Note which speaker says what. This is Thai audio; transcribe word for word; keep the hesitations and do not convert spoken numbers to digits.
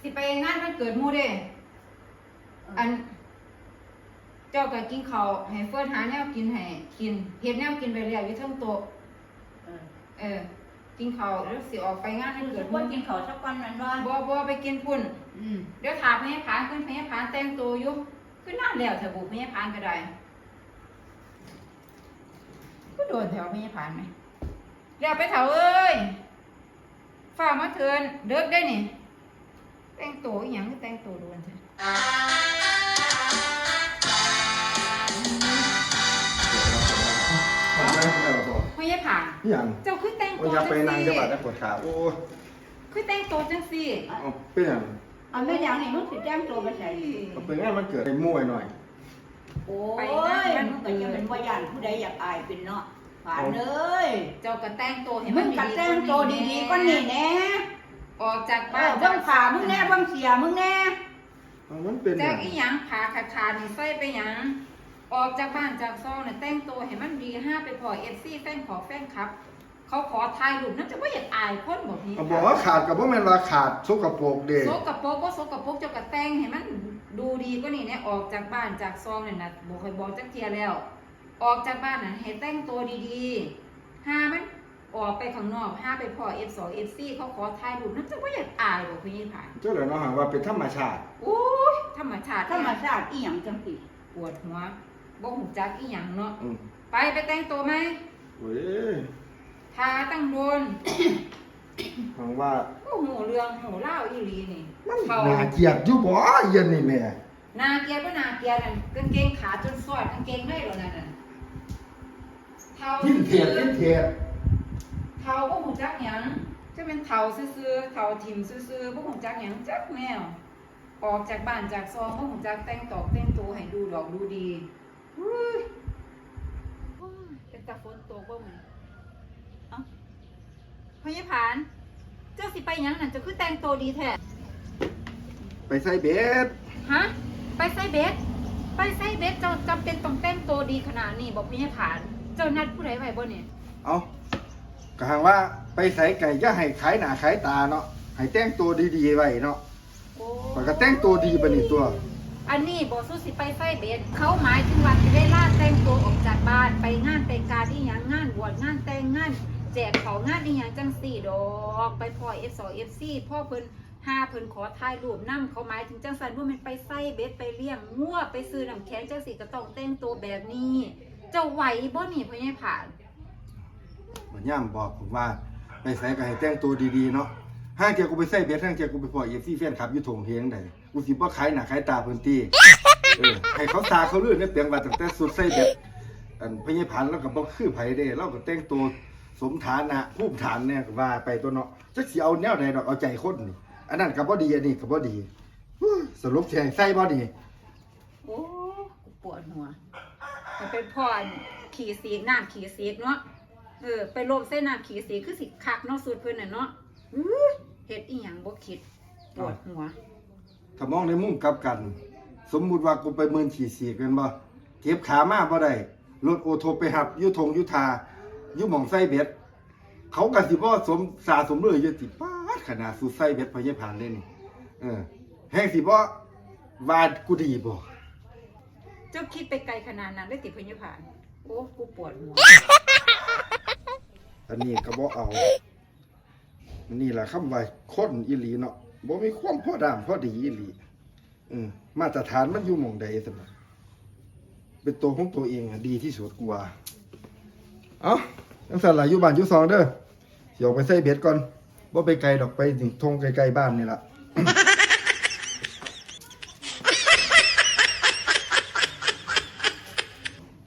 Speaker 1: สิไปงานวันเกิดหมู่เด้อันเจ้าก็กินข้าวให้เฟิร์นหาแนวกินให้กินเฮ็ดแนวกินไปแล้วอยู่เทั้งโต๊ะเออกินข้าวแล้วสิออกไปงานวันเกิดหมู่
Speaker 2: กินข้าวสักวันนั้นว่า
Speaker 1: บ่บ่ไปกินพุ่นเดี๋ยวถามพญาผานขึ้นพญาผานแต่งตัวอยู่ขึ้นนานแล้วเถอะบุพญาผานก็ได้ก็โดนแถวพญาผานไหมเดี๋ยวไปเถาเอ้ยฝ่ามาเถินเด็กได้นี่แต่งตัวอีหยังแต่งตัวโดนเถอะพญาผานเจ้าคือแต่งตัวจังซี่ไปนั่งจะบาดได้ปวดขาโอ้คือแต่งตัวจังซี่
Speaker 3: เอาเป็นหยัง
Speaker 2: เอาแม่ยังนี่มึงสิแจ้งตัวไปใส่
Speaker 3: เอาเป็นงานมันเกิดให้มั่วหน่อย
Speaker 2: โอ้ยมันก็ยังเป็นว่าย่านผู้ใดอยากอายเป็นเนาะผ่านเลย
Speaker 1: เจ้าก็แต่งตัวให้
Speaker 2: มึงก็แต่งตัวดีๆก็นี่แน่
Speaker 1: ออกจากบ้าน
Speaker 2: เบิ่งขามึงแน่เบิ่งเสียมึงแน่
Speaker 3: มันเป็น
Speaker 1: จากอีหยังขาขาดนี่ใส่ไปหยังออกจากบ้านจากซองเนี่ยแต่งตัวให้มันดีห้าไปพอเอฟซีแฟนขอแฟนครับเขาขอถ่ายรูปนั่นจะว่าอยากอายคนแบบนี้
Speaker 3: บอกว่าขาดกับว่าแม่นว่าขาดโซกโปกเด็ก
Speaker 1: โซกโปกก็โซกโปกเจ้ากระแต่งให้มันดูดีก็นี่เนี่ยออกจากบ้านจากซองเนี่ยนะบอกเคยบอกจักเทียแล้วออกจากบ้านน่ะให้แต่งตัวดีๆห้ามันออกไปข้างนอกห้าไปพอเอฟสองเอฟซีเขาขอถ่ายรูปนั่นจะว่าอยากอายแบบนี้ผ่าน
Speaker 3: เจ้าเหล่าน้องหาว่าเป็นธรรมชาติ
Speaker 1: โอ้ยธรรมชาติ
Speaker 2: ธรรมชาติอีหยังจังสิ
Speaker 1: ปวดหัวบ่หูจักอีหยังเนาะไปไปแต่งตัวไหม
Speaker 3: เว้ย
Speaker 1: ทาตั้งโดน
Speaker 3: ฟังว่า
Speaker 1: โอ้โหเรื่องโหเล่าอีหลีนี่
Speaker 3: มันน่าเกลียดอยู่บ่เย็นนี่แม่
Speaker 1: นาเกียร์ก็นาเกียร์นั่นกางเกงขาจนสอดกางเกงได้หรอนั่นน่ะเท้า
Speaker 3: ทิ้งเทียดทิ้งเทียด
Speaker 1: เท้าบ่หูจักหยังจะเป็นเท้าซื่อๆเท้าทิ่มซื่อๆบ่หูจักหยังจักแมวออกจากบ้านจากซองบ่หูจักแต่งตอกแต่งตัวให้ดูดอกดูดีอุ้ยเป็นตาฝนตกบ่มื้อเอ้าพญาผานเจ้าสิไปหยังนั่นเจ้าคือแต่งตัวดีแท้
Speaker 3: ไปใส่เบ็ด
Speaker 1: ฮะไปใส่เบ็ดไปใส่เบ็ดเจ้าจำเป็นต้องแต่งตัวดีขนาดนี้บอกพญาผานเจ้านัดผู้ใดไว้บ่เนี่ย
Speaker 3: เอากะหังว่าไปใส่ไก่จะให้ขายหน้าขายตาเนาะให้แต่งตัวดีๆไว้เนาะมันก็แต่งตัวดีปะนี่ตัว
Speaker 1: อันนี้บอกสู้สิไปใส่เบ็ดเขาหมายถึงว่าสิได้ล่าแต่งตัวออกจากบ้านไปงานแต่งการที่ยังงานบวชงานแต่งงานแจกของงานที่ยังจังสี่ดอกไปพอ เอฟ สอง เอฟ ซี พ่อเพิ่นห้าเพิ่นขอถ่ายรูปนำเขาหมายถึงจังสันว่ามันไปใส่เบ็ดไปเลี้ยงงัวไปซื้อน้ำแข็งจังสี่ก็ต้องแต่งตัวแบบนี้เจ้าไหวบ่นี่พญาผาน
Speaker 3: มันย่ำบอกผมว่าไปใส่ก็ให้แต่งตัวดีๆเนาะห้างเจ้ากูไปใส่เบ็ดห้างเจ้ากูไปพอเอฟซีแฟนคลับอยู่ถงเฮียงใดกูสิบ่ขายหน้าขายตาพื้นที่เออให้เขาตาเขาเลื่อนเนี่ยเปลี่ยนว่าตั้งแต่สุดใส่เบ็ดอันพญาผานแล้วก็บ่คือไผเด้เราก็แต่งตัวสมฐานะภูมิฐานเนี่ยว่าไปตัวเนาะจักสิเอาแนวใดดอกเอาใจคนนี่อันนั้นก็บ่ดีอันนี้ก็บ่ดีสรุปแทงใส่บ่ดี
Speaker 1: โอ้กูปวดหัวมันเป็นพ่อขี่สีน้ำขี่สีเนาะเออไปลมเส้นน้ำขี่สีคือสิคักเนาะสูตรเพิ่นน่ะเนาะเฮ็ดอีหยังบ่คิดปวดหัว
Speaker 3: ถ้ามองในมุมกลับกันสมมุติว่ากูไปเมินขี่สีกันบ่เก็บขามาบ่ได้รถโอโทไปหับอยู่ทงอยู่ทาอยู่หม่องใส่เบ็ดเขาก็สิบ่สมสาสมเลยอยู่ติป๊าดขนาดสู้ใส่เบ็ดพญาผานเลยนี่เออแฮงสิบ่ว่ากูดีบ่
Speaker 1: เจ้าคิดไปไกลขนาดนั้นได้ติพญาผานโอ้กูปวดหัว
Speaker 3: อันนี้ก็บ่เอานี่ล่ะคำว่าคนอีหลีเนาะบ่มีความพอดามพอดีอีหลีอือมาตรฐานมันอยู่หม่องใดซั่นน่ะเป็นตัวของตัวเองดีที่สุดกว่าเอ้าจังซั่นล่ะอยู่บ้านอยู่ซองเด้อสิออกไปใส่เบ็ดก่อนบ่ไปไกลดอกไปถึงทงไกลๆบ้านนี่ล่ะ